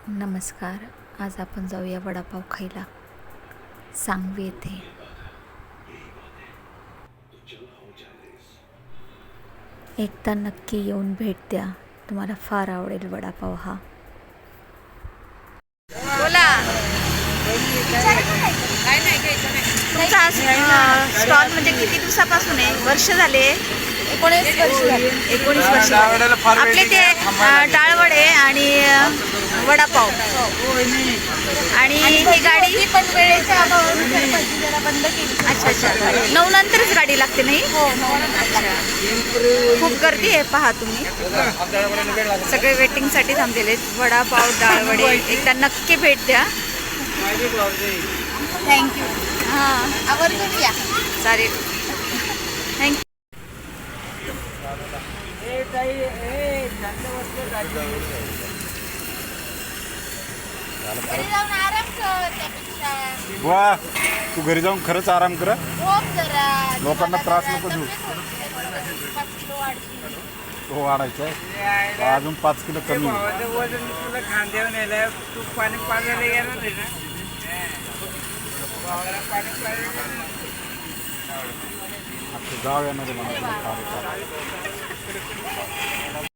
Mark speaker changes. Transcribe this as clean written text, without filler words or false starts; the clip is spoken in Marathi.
Speaker 1: नमस्कार. आज आपण जाऊया वडापाव खायला सांगवी येथे. एकदा नक्की येऊन भेट द्या, तुम्हाला फार आवडेल वडापाव हा.
Speaker 2: बोला. तुमचा स्टॉल म्हणजे किती दिवसापासून आहे? वर्ष झाले? 19 वर्ष झाले. 19 वर्ष. आपले ते डाळवडे आणि वडापाव आणि ही गाडी पण वेळेच्या अभावानुसार जरा बंद केली. अच्छा. 9 नंतरच गाडी लागते नाही? हो. खूप गर्दी आहे पहा तुम्ही. सगळे वेटिंगसाठी थांबलेले आहेत. वडापाव डाळवडे एकदा नक्की भेट द्या. थँक्यू. हां, आवर्जून या. चालेल. थँक्यू. घरी जाऊन आराम कर त्यापेक्षा.
Speaker 3: वा, तू घरी जाऊन खरंच आराम कर.
Speaker 2: जरा
Speaker 3: लोकांना त्रास नको देऊ.
Speaker 2: 5 किलो वाढतील.
Speaker 3: तो वाढायचा आहे अजून 5 किलो कमी होईल.
Speaker 4: वजन तुला खांद्यावर नेलं तू पाणी पाजायला येणार आहे ना.
Speaker 3: आता जाऊ येणार आहे मला.